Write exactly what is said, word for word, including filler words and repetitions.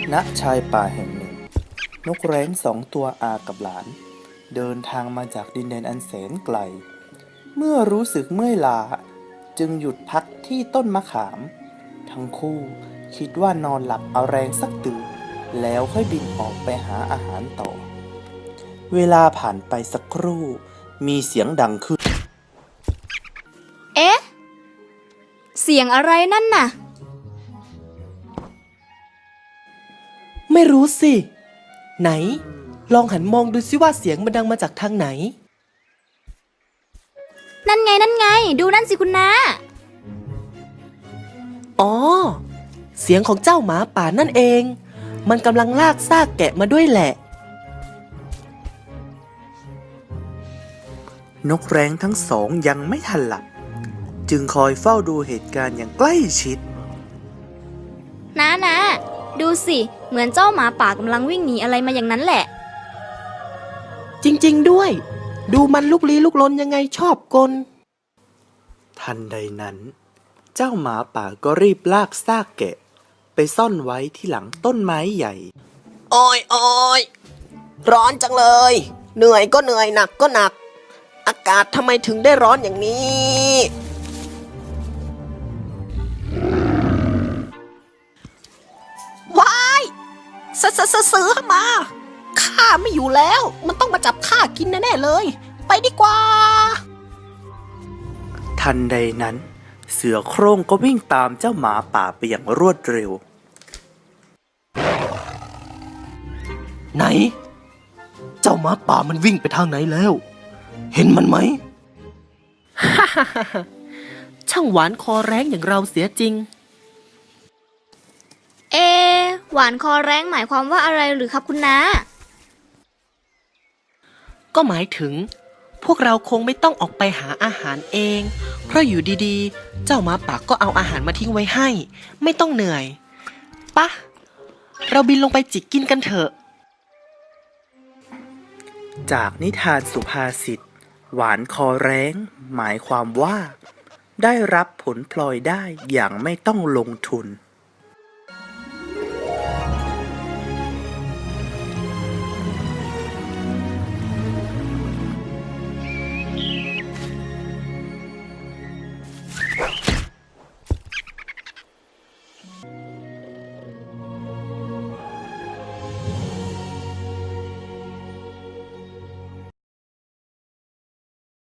ณชายป่าแห่งหนึ่งนกแร้งสองตัวอากับหลานเดินทางมาจากดินแดนอันแสนไกลเมื่อรู้สึกเมื่อยล้าจึงหยุดพักที่ต้นมะขามทั้งคู่คิดว่านอนหลับเอาแรงสักตื่นแล้วค่อยบินออกไปหาอาหารต่อเวลาผ่านไปสักครู่มีเสียงดังขึ้นเอ๊ะเสียงอะไรนั่นน่ะไม่รู้สิไหนลองหันมองดูซิว่าเสียงมันดังมาจากทางไหนนั่นไงนั่นไงดูนั่นสิคุณน้าอ๋อเสียงของเจ้าหมาป่านั่นเองมันกำลังลากซากแกะมาด้วยแหละนกแร้งทั้งสองยังไม่ทันหลับจึงคอยเฝ้าดูเหตุการณ์อย่างใกล้ชิดน้านะดูสิเหมือนเจ้าหมาป่ากำลังวิ่งหนีอะไรมาอย่างนั้นแหละจริงๆด้วยดูมันลุกลี้ลุกลนยังไงชอบกลทันใดนั้นเจ้าหมาป่าก็รีบลากซากแกะไปซ่อนไว้ที่หลังต้นไม้ใหญ่โอ้ยโอ้ยร้อนจังเลยเหนื่อยก็เหนื่อยหนักก็หนักอากาศทำไมถึงได้ร้อนอย่างนี้ว้ายเสือเสือเสือมาข้าไม่อยู่แล้วมันต้องมาจับข้ากินแน่ๆเลยไปดีกว่าทันใดนั้นเสือโคร่งก็วิ่งตามเจ้าหมาป่าไปอย่างรวดเร็วไหนเจ้าหมาป่ามันวิ่งไปทางไหนแล้วเห็นมันไหม ช่างหวานคอแร้งอย่างเราเสียจริงเอหวานคอแร้งหมายความว่าอะไรหรือครับคุณน้าก็หมายถึงพวกเราคงไม่ต้องออกไปหาอาหารเองเพราะอยู่ดีๆเจ้าหมาป่าก็เอาอาหารมาทิ้งไว้ให้ไม่ต้องเหนื่อยปะเราบินลงไปจิกกินกันเถอะจากนิทานสุภาษิตหวานคอแร้งหมายความว่าได้รับผลพลอยได้อย่างไม่ต้องลงทุน